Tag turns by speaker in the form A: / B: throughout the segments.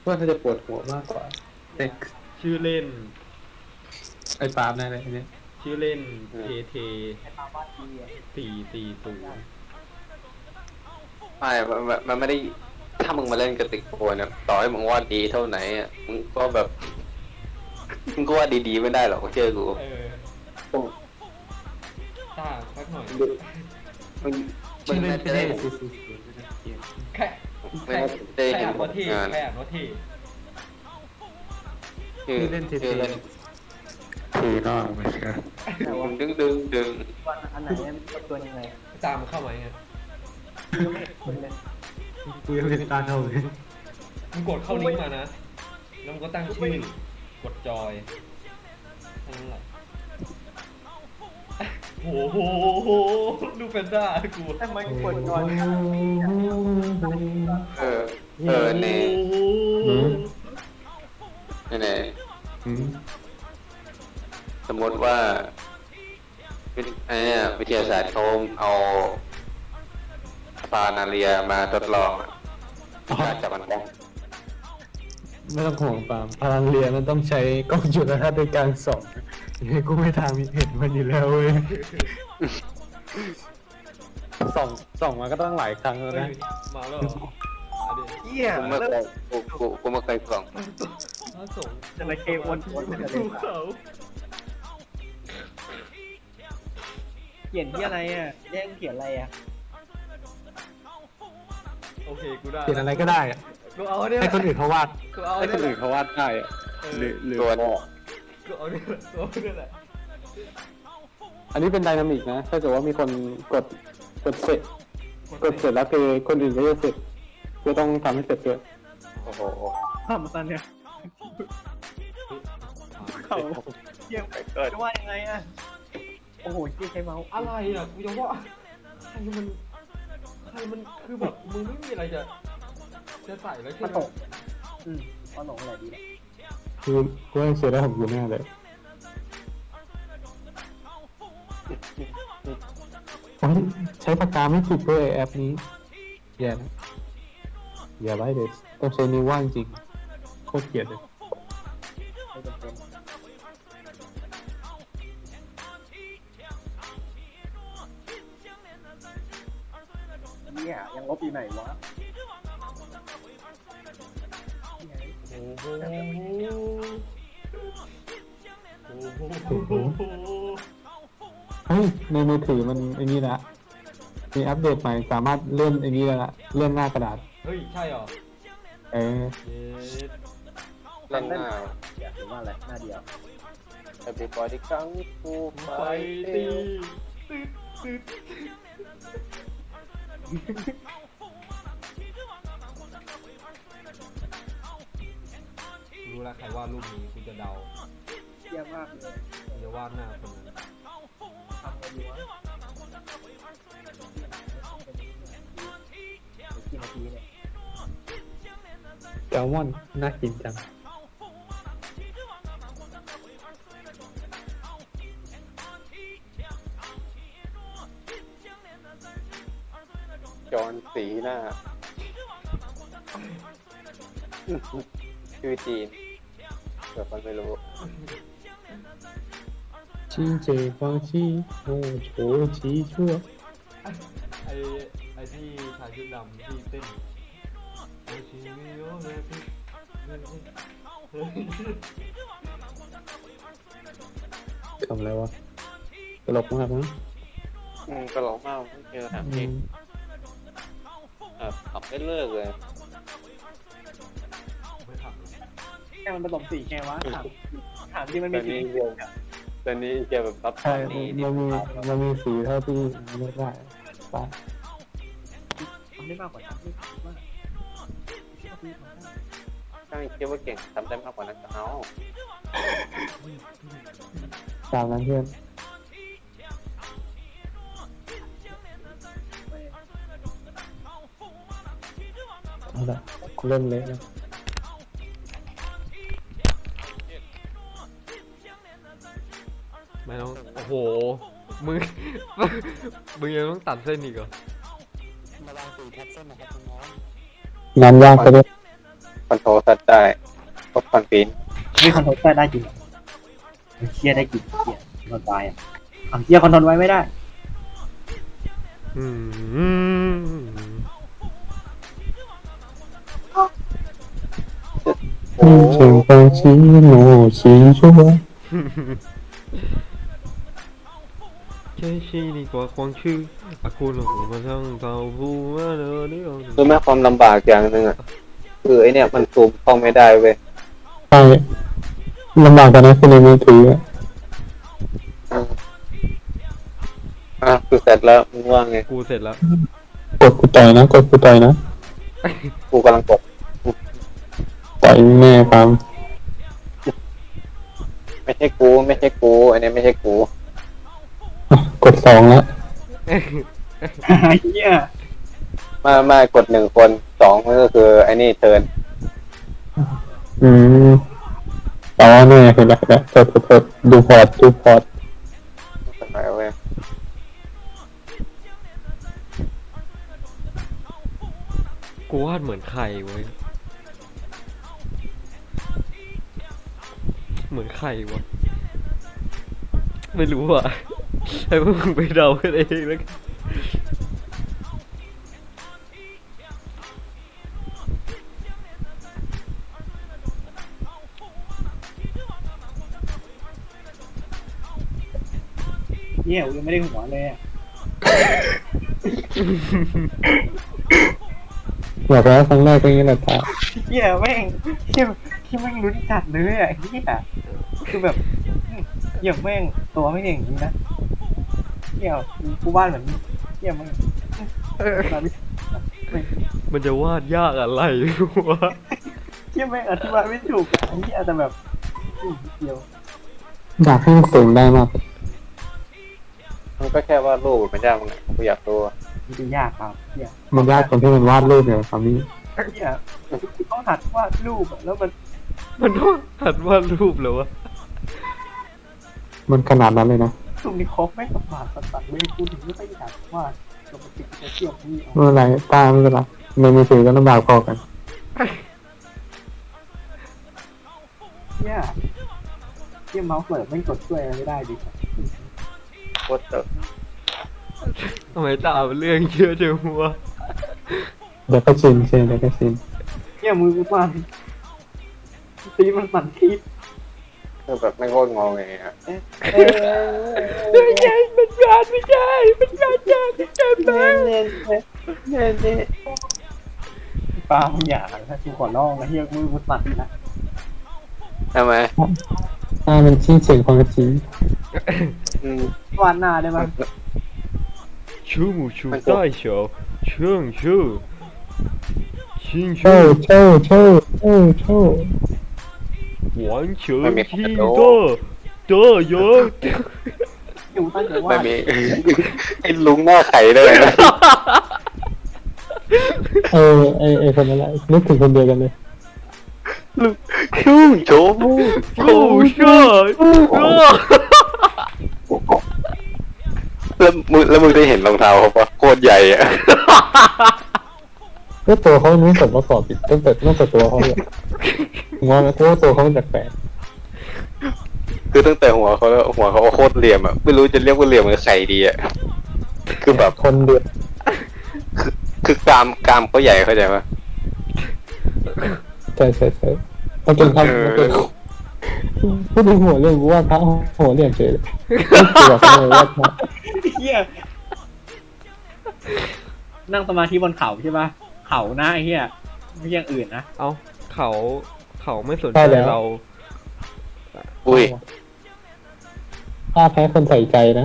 A: ว่าน่าจะปวดหัวมากกว่าแต่
B: ชื่อเล่น
A: ไอ้ปาล์มนั่นแหละเนี่ย
B: ชื่อเล่นเท440
C: ไม่มันไม่ได้ถ้ามึงมาเล่นกระติกโปนเนี่ยต่อให้มึงวาดดีเท่าไหนอ่ะมึงก็แบบมึงก็วาดดีๆไม่ได้หรอกเชื่อกู
B: ตาสักหน่อย
C: มึง
A: ชื่อเล่น
C: จะได้
B: แค่
C: ไม่ได้เห็น
B: อ่านว่าเท่
C: งาน
B: แค่อ่านว่าเท่
C: ชื่อเล่น
A: ถือนอกไม่ใช่
C: ดึง
D: วันอันไหนเนี่ยตัวยังไง
B: ตามเข้ามาไง
D: ยังไม่เห็นคนเลย
A: กูยังเล่นตาเท่าเลย
B: มึงกดเข้าลิงก์มานะแล้วมึงก็ตั้งชื่อกดจอยแค่นั้นแหละโอ้โหดูแฟนด้ากู
D: ทำไมกดก่อน
C: นี่สมมติว่าวิทยาศาสตร์เขาเอาปลานาเรียมาทดลองการจับมันได้
A: ไม่ต้องห่วงปาล์มพลังเรียนมันต้องใช้กล้องจุลทรรศน์ในการส่องยังไงกูไม่ทางเห็นมันอยู่แล้วเว้ยส่องมาก็ต้องหลายครั้งแล้วนะ
B: มาแล้วมาดิ
D: เหี้ย
C: กูไม่เคยส่อง
B: มาส่ง
D: จะมาเควนเป็นอะไร
B: ภูเขา
D: เขียนที่อะไรอ่ะแย่งเขียนอะไรอ่ะ
B: โอเคกูได้
A: เขียนอะไรก็ได้อะ
B: กูเอาเนี่ย
A: ให้คนอื่นเขาวาด
B: กูเอา
A: ให้
B: เนี่
A: คนอื่น
B: ย
A: เขาวาดได้อะหรือ
C: ตัวนี้
B: กูเอาเนี่ยกูเอาเนี่ยแหละ
A: อันนี้เป็นไดนามิกนะถ้าเกิดว่ามีคนกดเสร็จแล้วคือคนอื่นก็จะเสร็จก็ต้องทำให้เสร็จด้วย
C: โอ้โห
D: ทำสั้นเนี่ยเขาเยี่ยมจะว่ายังไงอ่ะโอ้โหที่ใช้เมาส์
B: อะไรอ่ะกูจะว่าใครมันคือแบบมึงไม่มีอะไรจะใส่แล้วใช่
D: มา
B: ไหม
D: ตกมาหลงอะไรดี
A: คือกูยังเสียได้ของกูแน่เลยใช้ปากกาไม่ถูกด้วยแอปนี้อย่านะอย่าไว้เลยต้องใช้นิ้วว่างจริงโคตรเกลียดเลย
D: ไม่จำเป็นเนี่ยยังลบอยู่ไหนวะ
B: โอ้โหโอ้โห
A: เฮ้ยในมือถือมันไอ้นี่ละมีอัปเดตใหม่สามารถเลื่อนไอ้นี่แล้วละเลื่อนหน้ากระดาษ
B: เฮ้ยใช่เหรอ
A: เออ
B: เย็ด
C: เล่นหน้า
D: หรือว่าอะไรหน้าเดียว
C: Everybody ครั้งกู
B: ไฟตีตึ๊ดรู้แล้วใครวาดรูปนี้กูจะเดา
D: เยี่ยมมากเลย
B: กูจะวาดหน้าคนนั้น
D: ทำอะไรดีวะกี่นาทีเนี่ย
A: แซลมอนน่ากินจัง
C: จอนสีหน้าชื่อจีนเดี๋ยวคนไม่รู้
A: ชิงเจฟองชีโอ้โหชีชั่ว
B: ไอ้ที่ชายชุดดำที่เต้นไอชิมิโยเนฟิ
A: ทำอะไรวะตลกมากนะ
C: ก็ร้องมากไม่เจอถามจริงขับไม่เลิกเลย
B: ไม่ขับ
D: แค่มันผสมสีแค่วะถามที่มันมีสี
C: ตอนนี้แกแบบรับ
A: ใช่มันมีสีเท่าที่เลือกได้ไป
D: มันได้มากกว่านั้นที่ว่า
C: ถ้าคิดว่าเก่งทำได้มากกว่านั้นก็เอา
A: ตามนั้นเพื่อนเอาละเริ่มเละแล้ว
B: ไม่ต้องโอ้โหมึง มึงยังต้องตัดเส้นอีกเหรอ
A: งานยากไปเลย
C: คอนโทรลสัตว์ได้พวกคอนฟิน
D: ไม่คอนโทรลได้จริงเหรอเฮียได้จริงเฮียคอนโทรลไว้อะอ้าวเฮียคอนโทรลไว้ไม่ได้
B: อืม
C: โอ้
A: เสียงฟังชี้โง่ชี้ชั่ว
B: แค่ชีนี่กว่าความชื่ออากูหลงมาทั้งเท่าผู้มาเนอนี่เอา
C: รู้ไหมความลำบากอย่างหนึ่งอ่ะคือไอเนี่ยมันซูมเข้าไม่ได้เว้ย
A: ใช่ลำบากกันนะคือในมือถืออะ
C: คือเสร็จแล้วมึงว่าไง
B: กูเสร็จแล้ว
A: กดกูต่อยนะกดกูต่อยนะ
C: กูกำลังกด
A: ต่อยแม่ครับ
C: ไม่ใช่กูไม่ใช่กูอันนี้ไม่ใช่กู
A: อ่ะกด2แล้ว
D: เฮีย
C: มากด1 คน2มันก็คือไอ้นี่เทิร์น
A: อืมอ๋อเนี่ยเห็นแล้วกดดูพอร์ต
C: สมัยเว้ย
B: กูวาดเหมือนใครเว้ยเหมือนใครวะไม่รู้อ่ะให้พวกมึงไปเดากันเองแล้วกัน
D: เฮียกูยังไม่ได้หัวเลยอะ
A: อยากแล้วครั้งแรกก็อย่างนี้แหละตา
D: เฮียแม่งเฮียแม่งลุ้นจัดเลยอ่ะเฮียคือแบบเฮียแม่งตัวไม่ได้อย่างนี้นะเฮียกูวาดเหมือนเฮียแม่งไม่
B: มันจะวาดยากอะไรวะ
D: เฮียแม่งอธิบายไม่ถูกอ่ะเฮียแต่แบบเดียว
A: อยากให้มันสูงได้มาก
C: มันก็แค่ว่าดรูปมันยากมั้งกูอยากรู้อะ
D: มันจะยากครับเฮีย
A: มันยากตรงที่มันวาดรูปเนี่ยครับนี่
D: เฮียต้องหัดวาดรูปอะแล้วมัน
B: มันต้องหัดวาดรูปเหรอวะ
A: มันขนาดนั้นเลยนะ
D: ตรงนี้ครบแม่งกับบาดตัดไม่พูดถึงไม่ค่อยอยากวาดปกติจะเที่ยวนี่เอา
A: ไม่เป็นไรตาไม่เป็นไรในมือถือก็ลำบากพอกัน
D: เฮียเมาส์เปิดไม่กดช่วยอะไรไม่ได้ดิ
C: โคตรเตอะ
B: ทำไมตามเรื่องเยอะจังวะ
A: เดี๋ยวก็ชินใช่เดี๋ยวก็ชิน
D: เฮียมือกูสั่นตีมันสั่นทีบ
C: คือแบบไม่โคตรงอไงอะ
B: ไม่ใช่เป็นงานไม่ใช่เป็นงานยากที่เกินไป
D: ปลามึงอย่าถ้ากูขอร้องนะเฮียมือกูสั่นนะ
C: ทำไม
A: ตามันชี้เสียงความจริง
C: อืม
D: วาดหน้าได้ไหม
B: ชูหมูชูใต้เฉาเชื่องชื่อชิง
A: โช่
B: ชื่อ
A: โช่โช่โช่โช่
B: หวานเฉินที่เตอเยอะ
D: อยู่ตั้งแต่ว่า
C: ไม่มี ไอ้ลุงหน้าไข่เลยนะ
A: ไอคนนั้นแหละนึกถึงคนเดียวกันเลย
C: ชูโชว์
B: ชูเชื่อ
C: แล้วมึงได้เห็นรองเท้าเขาปะโคตรใหญ่อะ
A: ก็ตัวเขาไม่สมประกอบอีกตั้งแต่ตัวเขาเลยผมว่านะเพราะว่าตัวเขามันแปลก
C: คือตั้งแต่หัวเขาโคตรเหลี่ยมอะไม่รู้จะเรียกว่าเหลี่ยมหรือไข่ดีอะคือแบบ
A: คนเดือด
C: คือกรามเขาใหญ่เข้าใจปะ
A: ใช่มันเป็นคำมันเป็นพูดถึงหัวเรื่องกูว่าพระหัวเรียมเฉยเลยไม่เกี่ยวกับเลยว่าพระ
D: เฮียนั่งสมาธิบนเขาใช่ปะเขาหน้าไอ้เฮียไม่ใช่อย่างอื่นนะ
B: เอาเขาไม่สนใจเรา
C: อุ้ย
A: ถ้าแพ้คนใส่ใจนะ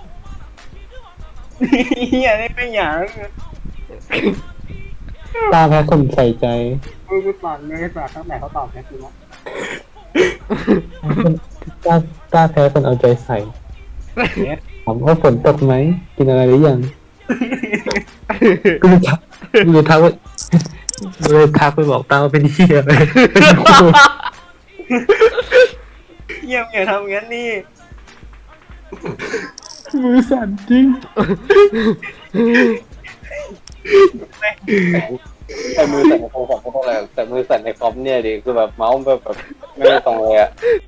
D: เฮียนี่ไม่อยาก
A: ตาแพ้คนใส่ใจ
D: มือกูสั่นเลยสั่นตั้งแต่เขาตอบแค่คือว่า
A: ตาแพ้คนเอาใจใส่ถามว่าฝนตกไหมกินอะไรหรือยังกูเลยทักไปบอกตาว่าเป็นเหี้ยเลย
D: เฮียอย่าทำงั้นนี่
A: มือสั่นจริง
C: แต่มือสั่นในโทรศัพท์ไม่ต้องอะไรหรอกแต่มือสั่นในคอมเนี่ยดิคือแบบเมาส์แบบไม่ได้ตรงเลยอะ